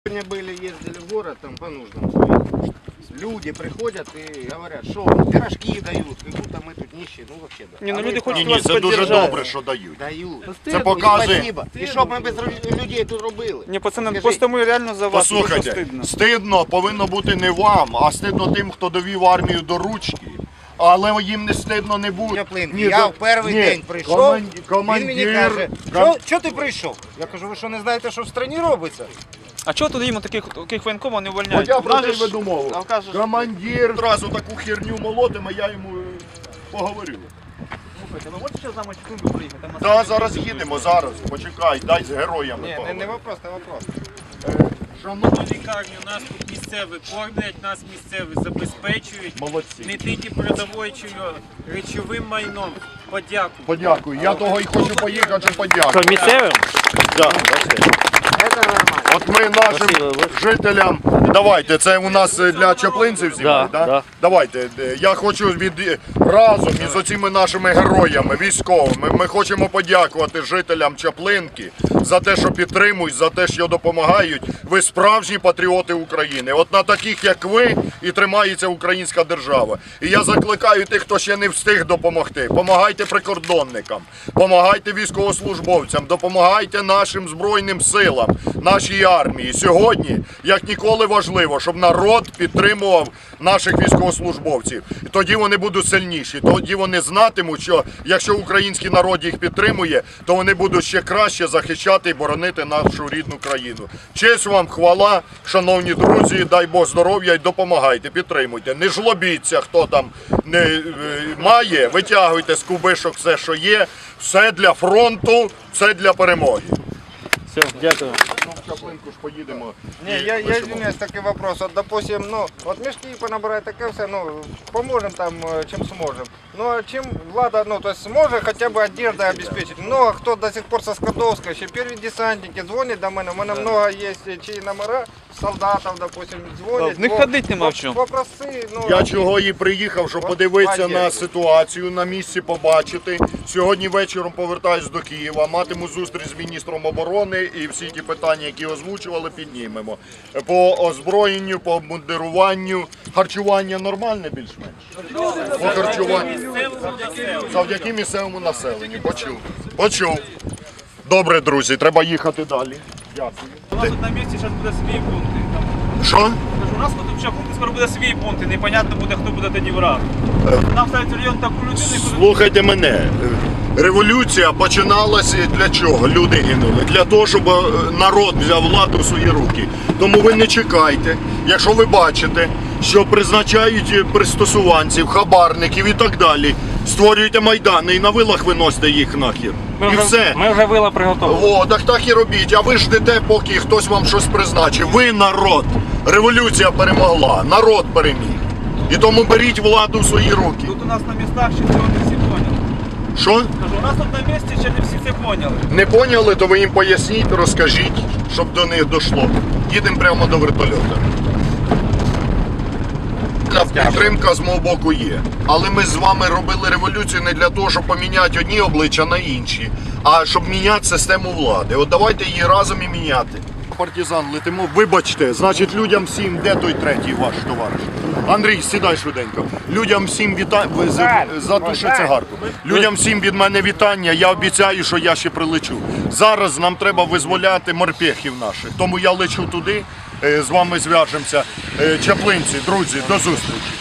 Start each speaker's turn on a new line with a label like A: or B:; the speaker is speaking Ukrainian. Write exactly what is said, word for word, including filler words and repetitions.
A: Сегодня были, ездили в город, там по нуждам своим. Люди приходят и говорят, что пирожки дают, как будто мы тут нищие, ну вообще да.
B: Ні, ну
A: А
B: люди
A: ви
B: хочуть
A: праві.
B: вас
C: Ні, це дуже
B: підтримати.
C: добре, що дають.
A: Дають.
C: Це показує.
A: Спасибо. І що б ми без людей тут робили?
B: Ні, пацани,
A: Скажіть.
B: просто ми реально за вас дуже
C: Послухайте,
B: стидно.
C: стидно повинно бути не вам, а стидно тим, хто довів армію до ручки. Але їм не стидно не буде.
A: Чаплин,
C: Ні,
A: я
C: за-
A: в перший
C: ні,
A: день прийшов,
C: коман-
A: він мені
C: командир-
A: каже,
C: ком-
A: що, що ти прийшов? Я кажу, ви що не знаєте, що в країні робиться?
B: А чого тоді їм таких, таких воєнкомів не
C: От
B: увольняють?
C: я про
B: Нас
C: те
B: же ж-
C: веду мову.
B: А кажеш,
C: Командир одразу таку херню молотиме, я йому е, поговорю.
B: слухайте, ви можете ще з нами в Київ приїхати? Там
C: Так, зараз їдемо, зараз. Почекай, дай з героями
A: Ні, не,
C: поговоримо.
A: не вопрос, не вопрос.
C: Шановні
D: Лікарню нас тут місцеві кормлять, нас місцеві забезпечують
C: молодці.
D: не тільки продовольчою речовим майном. Подяку.
C: Подякую. Я того і хочу поїхати, щоб подякувати.
E: Місцевим?
C: Да.
A: Це нормально.
C: От ми нашим жителям, давайте, це у нас для чаплинців знімають,
E: Да,
C: да?
E: да.
C: Давайте, е, я хочу від разом із оціми нашими героями, військовими, ми хочемо подякувати жителям Чаплинки за те, що підтримують, за те, що допомагають. Ви справжні патріоти України. От на таких, як ви, і тримається українська держава. І я закликаю тих, хто ще не встиг допомогти. Помагайте прикордонникам, помагайте військовослужбовцям, допомагайте нашим Збройним силам, нашій армії. Сьогодні, як ніколи важливо, щоб народ підтримував наших військовослужбовців. І тоді вони будуть сильніші, тоді вони знатимуть, що якщо український народ їх підтримує, то вони будуть ще краще захищати і боронити нашу рідну країну. Честь вам, хвала, шановні друзі, дай Бог здоров'я і допомагайте, підтримуйте. Не жлобіться, хто там не е, має, витягуйте з кубишок все, що є. Все для фронту, все для перемоги.
E: Все, дякую.
C: Ну, в Чаплинку ж поїдемо.
A: Не, я, я извиняюсь, такой вопрос. Вот, допустим, ну, вот мешки понабирать, таке все, ну, поможем там, э, чем сможем. Ну, а чем влада, ну, то есть сможет хотя бы одеждой обеспечить. Много кто до сих пор со Скадовска, еще первые десантники звонят до мене, у мене много есть чьи номера, солдатов, допустим, звонят.
B: В них ходить нема в чому.
A: Попроси, ну,
C: Я чого і приїхав, щоб подивитися на ситуацію, на місці побачити. Сьогодні вечором повертаюсь до Києва, матиму зустріч з міністром оборони і всі ті питання, які озвучували, піднімемо. По озброєнню, по обмундируванню, харчування нормальне більш-менш? По харчуванню. Завдяки місцевому населенню. Почув. Почув. Добре, друзі, треба їхати далі. Дякую.
B: У нас тут на місці зараз буде свій пункт. Там,
C: Що?
B: кажу, у нас тут вже пункт скоро буде свій пункт, і непонятно буде, хто буде тоді враг. Нам ставить район таку людину, яку...
C: Слухайте мене. Революція починалася для чого? Люди гинули. Для того, щоб е, народ взяв владу в свої руки. Тому ви не чекайте. Якщо ви бачите, що призначають пристосуванців, хабарників і так далі, створюйте майдани і на вилах виносите їх нахер.
E: Ми
C: І
E: вже,
C: все.
E: ми вже вила приготували.
C: О, так так і робіть. А ви ждете, поки хтось вам щось призначив. Ви народ. Революція перемогла. Народ переміг. І тому беріть владу в свої руки.
B: Тут у нас на містах ще цього не всі поняли.
C: Що?
B: Кажу, у нас тут на місці ще не всі це поняли.
C: Не поняли, то ви їм поясніть, розкажіть, щоб до них дійшло. Їдемо прямо до вертольота. Підтримка з мого боку є. Але ми з вами робили революцію не для того, щоб поміняти одні обличчя на інші, а щоб міняти систему влади. От давайте її разом і міняти. Партизан, летимо. Вибачте, значить людям всім, де той третій ваш товариш? Андрій, сідай швиденько. Людям всім вітання. Затуши цигарку. Людям всім від мене вітання. Я обіцяю, що я ще прилечу. Зараз нам треба визволяти морпехів наших. Тому я лечу туди, е, з вами зв'яжемося. Е, Чаплинці, друзі, до зустрічі.